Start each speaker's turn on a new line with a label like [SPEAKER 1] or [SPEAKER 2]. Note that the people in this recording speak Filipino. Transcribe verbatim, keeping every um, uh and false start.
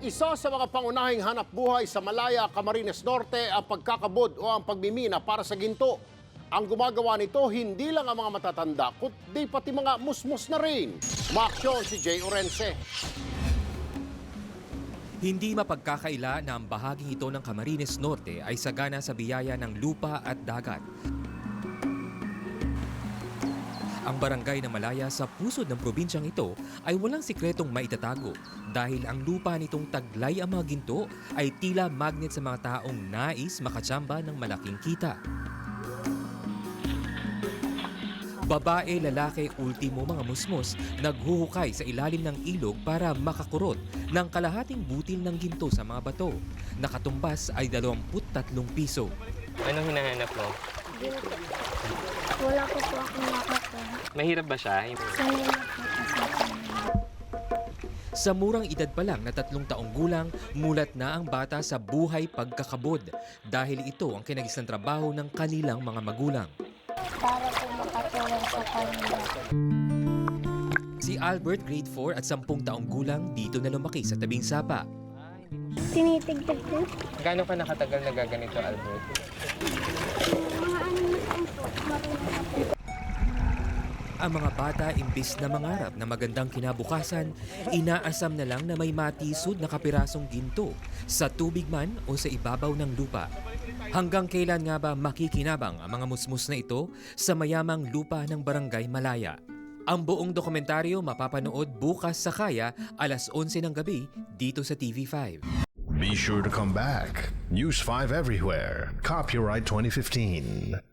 [SPEAKER 1] Isa sa mga pangunahing hanap buhay sa Malaya, Camarines Norte ang pagkakabod o ang pagmimina para sa ginto. Ang gumagawa nito hindi lang ang mga matatanda, kundi pati mga musmus na rin. Umaksyon si Jay Orense.
[SPEAKER 2] Hindi mapagkakaila na ang bahaging ito ng Camarines Norte ay sagana sa biyaya ng lupa at dagat. Ang barangay na Malaya sa pusod ng probinsyang ito ay walang sikretong maitatago dahil ang lupa nitong taglay ang mga ginto ay tila magnet sa mga taong nais makatsamba ng malaking kita. Babae, lalaki, ultimo mga musmos naghuhukay sa ilalim ng ilog para makakurot ng kalahating butil ng ginto sa mga bato. Nakatumbas ay dalawampu't tatlong piso.
[SPEAKER 3] Anong hinahanap mo?
[SPEAKER 4] Ginto. Wala ko po akong nakukuha.
[SPEAKER 3] Mahirap ba siya?
[SPEAKER 4] Sanay na po kasi.
[SPEAKER 2] Sa murang edad pa lang na tatlong taong gulang, mulat na ang bata sa buhay pagkakabod dahil ito ang kinagisang trabaho ng kanilang mga magulang.
[SPEAKER 4] Para po makatulong sa kanila.
[SPEAKER 2] Si Albert, grade four at sampung taong gulang, dito na lumaki sa tabing sapa.
[SPEAKER 4] Tinitigdag ko.
[SPEAKER 3] Gaano ka nakatagal na gaganito, Albert?
[SPEAKER 4] Mga ano na taon po. Marunong na po.
[SPEAKER 2] Ang mga bata, imbis na mangarap na magandang kinabukasan, inaasam na lang na may matisod na kapirasong ginto sa tubig man o sa ibabaw ng lupa. Hanggang kailan nga ba makikinabang ang mga musmus na ito sa mayamang lupa ng Barangay Malaya? Ang buong dokumentaryo mapapanood bukas sa Kaya alas onse ng gabi dito sa T V five.
[SPEAKER 5] Be sure to come back. News five everywhere. Copyright twenty fifteen.